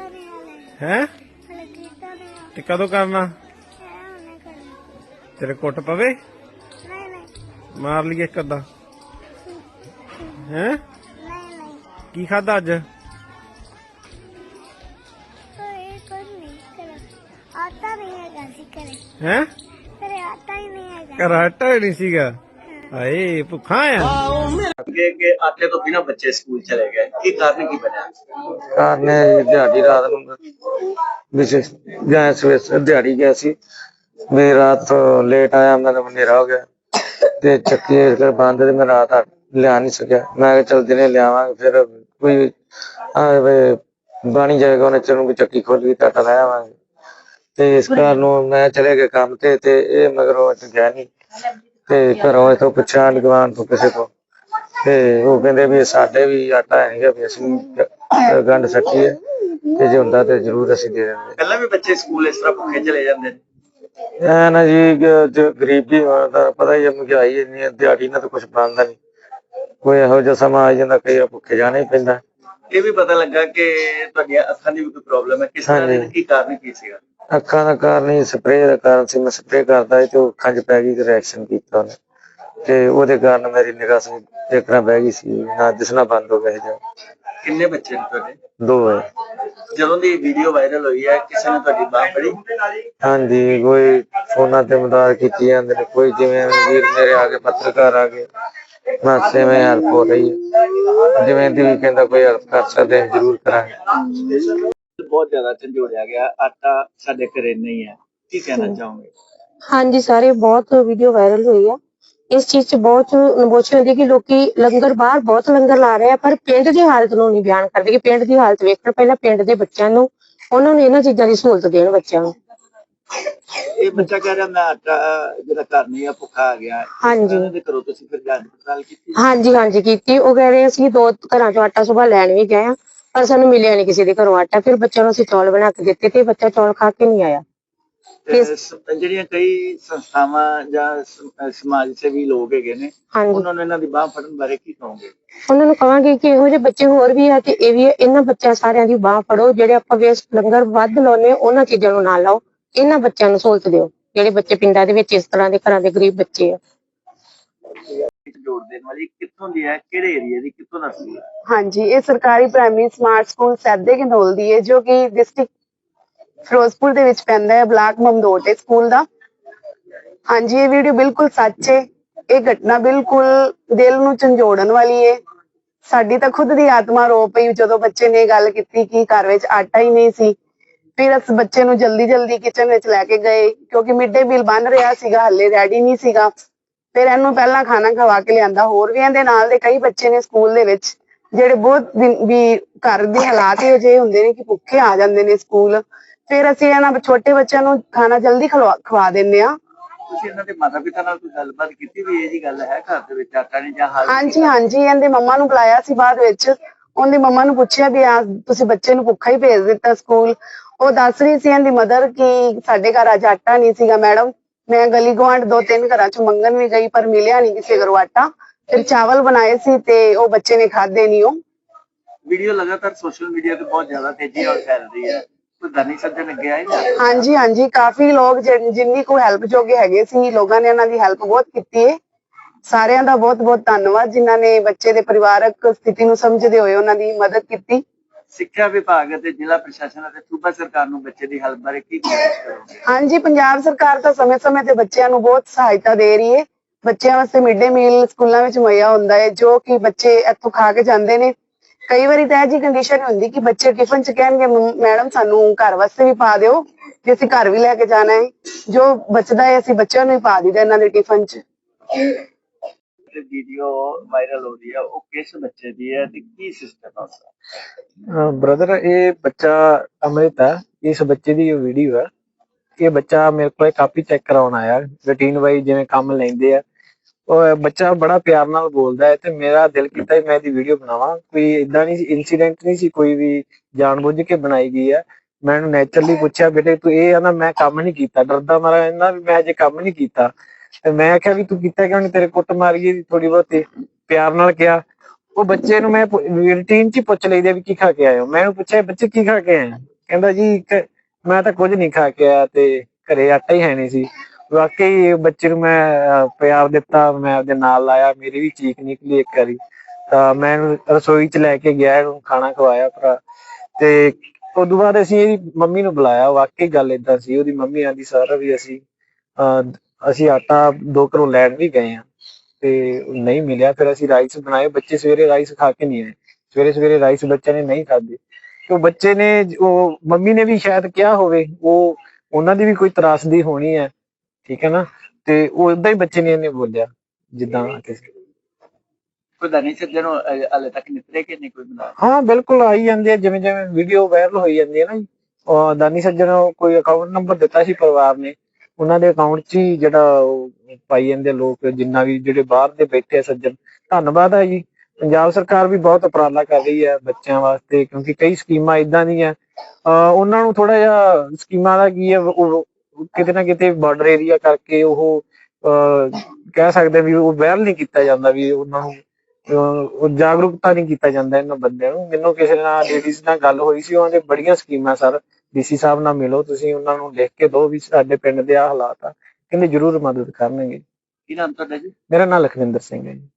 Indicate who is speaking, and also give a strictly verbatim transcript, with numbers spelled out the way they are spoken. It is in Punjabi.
Speaker 1: है ते कदों करना तेरे कुट पवे मार लिए एक अद्धा है की खादा अज है घर आटा ही नहीं सीगा हाए भुखा आ
Speaker 2: के के आटे तो बिना बच्चे स्कूल चले गए की कारण की बना
Speaker 3: कारण दिहाड़ी रात विशेष गए सवेरे दिहाड़ी गया सी मैं रात लेट आया मेरा अंधेरा हो गया ते चक्की बंद मैं रात लिया नहीं सकिया मैं चल दिने लियावांगे फिर कोई बनी जाएगा उन्हें चलूंगी चक्की खोल के आटा लै आवांगे ते इस कारण मैं चले गए काम ते ते ये मगर गया नहीं ते घरों इथों पुछा गवान तो किसी को ते वो कहंदे भी साडे भी आटा है नहीं भी असली गंढ सट्टी है ते जे हुंदा ते जरूर असि दे देंगे
Speaker 2: पहला भी बच्चे स्कूल इस तरह भुखे चले जाते
Speaker 3: हैं ऐ ना जी जो गरीबी पता ही है महंगाई इन्नी है दिहाड़ी ना तो कुछ बनता नहीं कोई इहो जिहा समा आ जांदा कई भुखे जाना ही पैंदा
Speaker 2: ये भी पता लगा कि तुहाडियां अखां दी भी कोई प्रॉब्लम है किस तरह दी की कारण की सीगा
Speaker 3: अखां दा कारण ही स्प्रे दा कारण सी मैं स्प्रे करदा ते अखां च पै गई ते रिएक्शन कीता उन्हें ते ओदे कारण मेरी निगाह से देखना बह गई सी ना दिसना बंद हो गया जो
Speaker 2: किन्ने बच्चे ने तुहाडे
Speaker 3: दो है
Speaker 2: ਜਦੋਂ ਦੀ ਵੀਡੀਓ ਵਾਇਰਲ ਹੋਈ ਹੈ ਕਿਸੇ ਨੇ ਤੁਹਾਡੀ ਬਾਹ ਫੜੀ
Speaker 3: ਹਾਂਜੀ ਕੋਈ ਫੋਨਾਂ ਤੇ ਮਦਦ ਕੀਤੀ ਜਾਂਦੇ ਨੇ ਕੋਈ ਜਿਵੇਂ ਵੀਰ ਮੇਰੇ ਆ ਕੇ ਪੱਤਰਕਾਰ ਆ ਗਏ ਮਾਸੇ में हेल्प हो रही है जिवें दी भी कहंदा कोई हेल्प कर सकते हैं जरूर करांगे
Speaker 2: बहुत ज्यादा झंझोड़िया गया आटा साडे घरे नहीं है की कहना चाहोगे
Speaker 4: हाँ जी सारे बहुत वीडियो वायरल हुई है इस चीज च बहुत नबोची होती है कि लोकी लंगर बाहर बहुत लंगर ला रहे हैं पर पिंड की हालत नूं नहीं बयान करते कि पिंड की हालत वेखण पहला पिंड के बच्चों नूं उन्हां नूं इन्हां चीज़ां दी सहूलत देण बच्चों नूं
Speaker 2: ਇਹ ਬੱਚਾ ਕਹਿ ਰਿਹਾ ਮੈਂ ਆਟਾ ਜਿਹੜਾ ਘਰ ਨਹੀਂ ਆ ਭੁੱਖਾ ਆ ਗਿਆ
Speaker 4: हाँ जी
Speaker 2: ਦੇ ਕਰੋ ਤੁਸੀਂ ਫਿਰ ਜਾਂਚ ਪੜਤਾਲ ਕੀਤੀ
Speaker 4: हाँ जी हाँ जी कीती ਉਹ ਕਹਿ ਰਹੇ ਅਸੀਂ ਦੋ ਘਰਾਂ ਚੋਂ ਆਟਾ ਸੁਬਾਹ ਲੈਣ ਵੀ ਗਏ ਆ ਪਰ ਸਾਨੂੰ ਮਿਲਿਆ ਨਹੀਂ ਕਿਸੇ ਦੇ ਘਰੋਂ ਆਟਾ ਫਿਰ ਬੱਚਿਆਂ ਨੂੰ ਅਸੀਂ ਚੌਲ ਬਣਾ ਕੇ ਦਿੱਤੇ ਤੇ ਬੱਚਾ ਚੌਲ ਖਾ ਕੇ ਨਹੀਂ ਆਇਆ
Speaker 2: ਜਿਹੜੀਆਂ ਕਈ ਸੰਸਥਾਵਾਂ ਜਾਂ ਸਮਾਜ ਸੇਵੀ ਲੋਕ ਹੈਗੇ ਨੇ ਉਹਨਾਂ ਨੂੰ ਇਹਨਾਂ ਦੀ ਬਾਹ ਫੜਨ ਬਾਰੇ ਕੀ ਕਹੋਗੇ
Speaker 4: ਉਹਨਾਂ ਨੂੰ ਕਹਾਂਗੇ ਕਿ ਇਹੋ ਜਿਹੇ ਬੱਚੇ ਹੋਰ ਵੀ ਆ ਤੇ ਇਹ ਵੀ ਇਹਨਾਂ ਬੱਚਿਆਂ ਸਾਰਿਆਂ ਦੀ ਬਾਹ ਫੜੋ ਜਿਹੜੇ ਆਪਾਂ ਵੇਸਟ ਲੰਗਰ ਵੱਧ ਲਾਉਨੇ ਉਹਨਾਂ ਚੀਜ਼ਾਂ ਨੂੰ ਨਾ ਲਾਓ ਇਹਨਾਂ ਬੱਚਿਆਂ ਨੂੰ ਸਹੂਲਤ ਦਿਓ ਜਿਹੜੇ ਬੱਚੇ ਪਿੰਡਾਂ ਦੇ ਵਿੱਚ ਇਸ ਤਰ੍ਹਾਂ ਦੇ ਘਰਾਂ ਦੇ ਗਰੀਬ ਬੱਚੇ ਆ
Speaker 2: ਜੋੜ ਦੇਣ ਵਾਲੀ ਕਿੱਥੋਂ ਦੀ ਹੈ ਕਿਹੜੇ ਏਰੀਆ ਦੀ ਕਿੱਥੋਂ ਦਾ ਸਕੂਲ ਹੈ
Speaker 5: ਹਾਂਜੀ ਇਹ ਸਰਕਾਰੀ ਪ੍ਰਾਇਮਰੀ ਸਮਾਰਟ ਸਕੂਲ ਸੈਦੇ ਘਨੌਲ ਦੀ ਹੈ ਜੋ ਕਿ ਡਿਸਟ੍ਰਿਕਟ ਫਿਰੋਜ਼ਪੁਰ ਦੇ ਵਿੱਚ ਪੈਂਦਾ ਹੈ ਬਲਾਕ ਮਮਦੋਟ ਸਕੂਲ ਦਾ ਹਾਂਜੀ ਇਹ ਵੀਡੀਓ ਬਿਲਕੁਲ ਸੱਚ ਹੈ ਇਹ ਘਟਨਾ ਬਿਲਕੁਲ ਦਿਲ ਨੂੰ ਝੰਜੋੜਨ ਵਾਲੀ ਹੈ ਸਾਡੀ ਤਾਂ ਖੁਦ ਦੀ ਆਤਮਾ ਰੋ ਪਈ ਜਦੋਂ ਬੱਚੇ ਨੇ ਗੱਲ ਕੀਤੀ ਕਿ ਘਰ ਵਿੱਚ ਆਟਾ ਹੀ ਨਹੀਂ ਸੀ ਫਿਰ ਉਸ ਬੱਚੇ ਨੂੰ ਜਲਦੀ ਜਲਦੀ ਕਿਚਨ ਵਿੱਚ ਲੈ ਕੇ ਗਏ ਕਿਉਂਕਿ ਮਿਡ ਡੇ ਮੀਲ ਬਣ ਰਿਹਾ ਸੀਗਾ ਹੱਲੇ ਰੈਡੀ ਨਹੀਂ ਸੀਗਾ ਫਿਰ ਇਹਨੂੰ ਪਹਿਲਾਂ ਖਾਣਾ ਖਵਾ ਕੇ ਲਿਆਂਦਾ ਹੋਰ ਵੀ ਇਹਦੇ ਨਾਲ ਦੇ ਕਈ ਬੱਚੇ ਨੇ ਸਕੂਲ ਦੇ ਵਿੱਚ ਜਿਹੜੇ ਬਹੁਤ ਵੀ ਘਰ ਦੇ ਹਾਲਾਤ ਇਹੋ ਜਿਹੇ ਹੁੰਦੇ ਨੇ ਕਿ ਭੁੱਖੇ ਆ ਜਾਂਦੇ ਨੇ ਸਕੂਲ ਫਿਰ ਅਸੀਂ ਇਹਨਾਂ ਛੋਟੇ ਬੱਚਿਆਂ ਨੂੰ ਖਾਣਾ ਜਲਦੀ ਖਵਾ ਦਿੰਦੇ ਆ
Speaker 2: ਤੁਸੀਂ ਇਹਨਾਂ ਦੇ ਮਾਤਾ ਪਿਤਾ ਨਾਲ ਕੋਈ ਗੱਲਬਾਤ ਕੀਤੀ ਵੀ ਇਹ ਜੀ ਗੱਲ ਹੈ ਘਰ ਦੇ ਵਿੱਚ ਆਟਾ ਨਹੀਂ ਜਾਂ ਹਾਲ
Speaker 5: ਹਾਂਜੀ ਹਾਂਜੀ ਇਹਦੇ ਮੰਮਾ ਨੂੰ ਬੁਲਾਇਆ ਸੀ ਬਾਅਦ ਵਿੱਚ ਉਹਦੀ ਮੰਮਾ ਨੂੰ ਪੁੱਛਿਆ ਵੀ ਆ ਤੁਸੀਂ ਬੱਚੇ ਨੂੰ ਭੁੱਖਾ ਹੀ ਭੇਜ ਦਿੱਤਾ ਸਕੂਲ ਉਹ ਦੱਸ ਰਹੀ ਸੀ ਇਹਦੀ ਮਦਰ ਕਿ ਸਾਡੇ ਘਰ ਅੱਜ ਆਟਾ ਨਹੀਂ ਸੀਗਾ ਮੈਡਮ ਮੈਂ ਗਲੀ ਗੁਆਂਢ ਦੋ ਤਿੰਨ ਘਰਾਂ ਚ ਮੰਗਣ ਵੀ ਗਈ ਪਰ ਮਿਲਿਆ ਨਹੀਂ ਕਿਸੇ ਘਰੋਂ ਆਟਾ ਫਿਰ ਚਾਵਲ ਬਣਾਏ ਸੀ ਤੇ ਉਹ ਬੱਚੇ ਨੇ ਖਾਦੇ ਨਹੀਂ ਉਹ
Speaker 2: ਵੀਡੀਓ ਲਗਾਤਾਰ ਸੋਸ਼ਲ ਮੀਡੀਆ ਤੇ ਬਹੁਤ ਜ਼ਿਆਦਾ ਤੇਜ਼ੀ ਨਾਲ ਫੈਲ ਰਹੀ ਹੈ ਕੋਈ ਦਾਨੀ ਸੱਜਣ ਅੱਗੇ ਆਏ ਨਾ
Speaker 5: ਹਾਂਜੀ ਹਾਂਜੀ ਕਾਫੀ ਲੋਕ ਜਿੰਨੀ ਕੋ ਹੈਲਪ ਜੋਗੇ ਹੈਗੇ ਸੀ ਲੋਕਾਂ ਨੇ ਇਹਨਾਂ ਦੀ ਹੈਲਪ ਬਹੁਤ ਕੀਤੀ ਹੈ ਸਾਰਿਆਂ ਦਾ ਬਹੁਤ ਬਹੁਤ ਧੰਨਵਾਦ ਜਿਨ੍ਹਾਂ ਨੇ ਬੱਚੇ ਦੇ ਪਰਿਵਾਰਕ ਸਥਿਤੀ ਨੂੰ ਸਮਝਦੇ ਹੋਏ ਉਹਨਾਂ ਦੀ ਮਦਦ ਕੀਤੀ
Speaker 2: ਸਿੱਖਿਆ ਵਿਭਾਗ ਅਤੇ ਜ਼ਿਲ੍ਹਾ ਪ੍ਰਸ਼ਾਸਨ ਅਤੇ ਸੂਬਾ ਸਰਕਾਰ ਨੂੰ ਬੱਚੇ ਦੀ ਹੈਲਪ ਬਾਰੇ ਕੀ ਕੋਸ਼ਿਸ਼ ਕਰੋਗੇ
Speaker 5: ਹਾਂਜੀ ਪੰਜਾਬ ਸਰਕਾਰ ਤਾਂ ਸਮੇਂ ਸਮੇਂ ਤੇ ਬੱਚਿਆਂ ਨੂੰ ਬਹੁਤ ਸਹਾਇਤਾ ਦੇ ਰਹੀ ਹੈ ਬੱਚਿਆਂ ਵਾਸਤੇ ਮਿਡ ਡੇ ਮੀਲ ਸਕੂਲਾਂ ਵਿੱਚ ਮੁਹੱਈਆ ਹੁੰਦਾ ਹੈ ਜੋ ਕਿ ਬੱਚੇ ਇੱਥੋਂ ਖਾ ਕੇ ਜਾਂਦੇ ਨੇ ਕਈ ਵਾਰੀ ਤਾਂ ਇਹ ਜੀ ਕੰਡੀਸ਼ਨ ਹੁੰਦੀ ਕਿ ਬੱਚੇ ਟਿਫਨ ਚ ਕਹਿਣਗੇ ਮੈਡਮ ਸਾਨੂੰ ਘਰ ਵਾਸਤੇ ਵੀ ਪਾ ਦਿਓ ਜੇ ਅਸੀਂ ਘਰ ਵੀ ਲੈ ਕੇ ਜਾਣਾ ਹੈ ਜੋ ਬਚਦਾ ਹੈ ਅਸੀਂ ਬੱਚਿਆਂ ਨੂੰ ਹੀ ਪਾ ਦਿੰਦੇ ਇਹਨਾਂ ਦੇ ਟਿਫਨ ਚ
Speaker 2: ਵੀਡੀਓ ਵਾਇਰਲ ਹੋ ਰਹੀ ਹੈ ਉਹ ਕਿਸ ਬੱਚੇ ਦੀ ਹੈ ਤੇ ਕੀ ਸਿਸਟਮ ਹੈ ਉਸਦਾ
Speaker 1: ब्रदर ये बच्चा अमृत है इस बच्चे की वीडियो है ये बच्चा मेरे को कापी चेक कराने आया रूटीन वाइज जिवें काम लैंदे आ और बच्चा बड़ा प्यार नाल बोलदा है ते मेरा दिल कीता मैं दी वीडियो बनावां कोई इदां नहीं इंसीडेंट नहीं सी कोई भी जानबूझ के बनाई गई है मैं नैचुरली पूछया बेटे तू ये ना मैं काम नहीं कीता डरदा मारा इन्ना भी मैं अजे काम नहीं कीता ते मैं आख्या भी तू कीता क्यों नहीं तेरे कुट मारी थोड़ी बहुत प्यार नाल कहा वो बच्चे मैं रूटीन च पुछ लईदा भी की खा के आए हो मैं पूछा बच्चे की खा के आए ਕਹਿੰਦਾ ਜੀ ਕ- ਮੈਂ ਤਾਂ ਕੁਝ ਨਹੀਂ ਖਾ ਕੇ ਆਇਆ ਤੇ ਘਰੇ ਆਟਾ ਹੀ ਹੈ ਨਹੀਂ ਸੀ। ਵਾਕਈ ਬੱਚੇ ਨੂੰ ਮੈਂ ਅਹ, ਪਿਆਰ ਦਿੱਤਾ, ਮੈਂ ਆਪਦੇ ਨਾਲ ਲਾਇਆ, ਮੇਰੀ ਵੀ ਚੀਕ ਨਿਕਲੀ ਇੱਕ ਵਾਰੀ। ਤਾਂ ਮੈਂ ਇਹਨੂੰ ਰਸੋਈ ਚ ਲੈ ਕੇ ਗਿਆ, ਇਹਨੂੰ ਖਾਣਾ ਖਵਾਇਆ ਭਰਾ। ਤੇ ਉਦੋਂ ਬਾਅਦ ਅਸੀਂ ਇਹਦੀ ਮੰਮੀ ਨੂੰ ਬੁਲਾਇਆ। ਵਾਕਈ ਗੱਲ ਏਦਾਂ ਸੀ, ਉਹਦੀ ਮੰਮੀ ਆਂਦੀ ਸਰ ਵੀ ਅਸੀਂ ਅਹ, ਅਸੀਂ ਆਟਾ ਦੋ ਘਰੋਂ ਲੈਣ ਵੀ ਗਏ ਆ ਤੇ ਨਹੀਂ ਮਿਲਿਆ। ਫਿਰ ਅਸੀਂ ਰਾਈਸ ਬਣਾਏ, ਬੱਚੇ ਸਵੇਰੇ ਰਾਈਸ ਖਾ ਕੇ ਨਹੀਂ ਆਏ। ਸਵੇਰੇ ਸਵੇਰੇ ਰਾਈਸ ਬੱਚਿਆਂ ਨੇ ਨਹੀਂ ਖਾਧੇ ਤੇ ਉਹ ਬੱਚੇ ਨੇ, ਉਹ ਮੰਮੀ ਨੇ ਵੀ ਸ਼ਾਇਦ ਕਿਹਾ ਹੋਵੇ, ਉਹ ਉਹਨਾਂ ਦੀ ਵੀ ਕੋਈ ਤਰਾਸਦੀ ਹੋਣੀ ਹੈ, ਠੀਕ ਹੈ ਨਾ। ਤੇ ਉਹ ਏਦਾਂ ਹੀ ਬੱਚੇ ਨੇ ਇਹਨੇ ਬੋਲਿਆ ਜਿੱਦਾਂ ਕਿਸੇ।
Speaker 2: ਕੋਈ ਦਾਨੀ ਸੱਜਣ ਨੂੰ ਹਾਲੇ ਤੱਕ ਨਿਤਰੇ ਕਿ ਨਹੀਂ ਕੋਈ ਬਣਾ?
Speaker 1: ਹਾਂ ਬਿਲਕੁਲ ਆਈ ਜਾਂਦੇ ਆ, ਜਿਵੇਂ ਜਿਵੇਂ ਵੀਡੀਓ ਵਾਇਰਲ ਹੋਈ ਜਾਂਦੀ ਹੈ ਨਾ ਜੀ। ਉਹ ਦਾਨੀ ਸੱਜਣ ਕੋਈ ਅਕਾਊਂਟ ਨੰਬਰ ਦਿੱਤਾ ਸੀ ਪਰਿਵਾਰ ਨੇ, ਉਹਨਾਂ ਦੇ ਅਕਾਊਂਟ 'ਚ ਹੀ ਜਿਹੜਾ ਉਹ ਪਾਈ ਜਾਂਦੇ ਲੋਕ, ਜਿੰਨਾ ਵੀ ਜਿਹੜੇ ਬਾਹਰ ਦੇ ਬੈਠੇ ਆ ਸੱਜਣ। ਧੰਨਵਾਦ ਹੈ ਜੀ, ਪੰਜਾਬ ਸਰਕਾਰ ਵੀ ਬਹੁਤ ਉਪਰਾਲਾ ਕਰ ਰਹੀ ਹੈ ਬੱਚਿਆਂ ਵਾਸਤੇ, ਕਿਉਂਕਿ ਕਈ ਸਕੀਮਾਂ ਏਦਾਂ ਦੀਆਂ ਅਹ ਉਹਨਾਂ ਨੂੰ ਥੋੜਾ ਜਿਹਾ ਸਕੀਮਾਂ ਦਾ ਕੀ ਹੈ, ਉਹ ਕਿਤੇ ਨਾ ਕਿਤੇ ਬਾਰਡਰ ਏਰੀਆ ਕਰਕੇ ਉਹ ਅਹ ਕਹਿ ਸਕਦੇ ਵੀ ਉਹ ਵਾਇਰਲ ਨਹੀਂ ਕੀਤਾ ਜਾਂਦਾ, ਵੀ ਉਹਨਾਂ ਨੂੰ ਅਹ ਜਾਗਰੂਕਤਾ ਨਹੀਂ ਕੀਤਾ ਜਾਂਦਾ ਇਹਨਾਂ ਬੰਦਿਆਂ ਨੂੰ। ਮੈਨੂੰ ਕਿਸੇ ਨਾਲ ਲੇਡੀਜ਼ ਨਾਲ ਗੱਲ ਹੋਈ ਸੀ, ਉਹਨਾਂ ਦੇ ਬੜੀਆਂ ਸਕੀਮਾਂ ਸਰ, ਡੀਸੀ ਸਾਹਿਬ ਨਾਲ ਮਿਲੋ ਤੁਸੀਂ, ਉਹਨਾਂ ਨੂੰ ਲਿਖ ਕੇ ਦਿਓ ਵੀ ਸਾਡੇ ਪਿੰਡ ਦੇ ਆਹ ਹਾਲਾਤ ਆ, ਕਹਿੰਦੇ ਜ਼ਰੂਰ ਮਦਦ ਕਰਨਗੇ।
Speaker 2: ਕੀ ਨਾਮ ਤੁਹਾਡਾ ਜੀ?
Speaker 1: ਮੇਰਾ ਨਾਮ ਲਖਵਿੰਦਰ ਸਿੰਘ ਹੈ ਜੀ।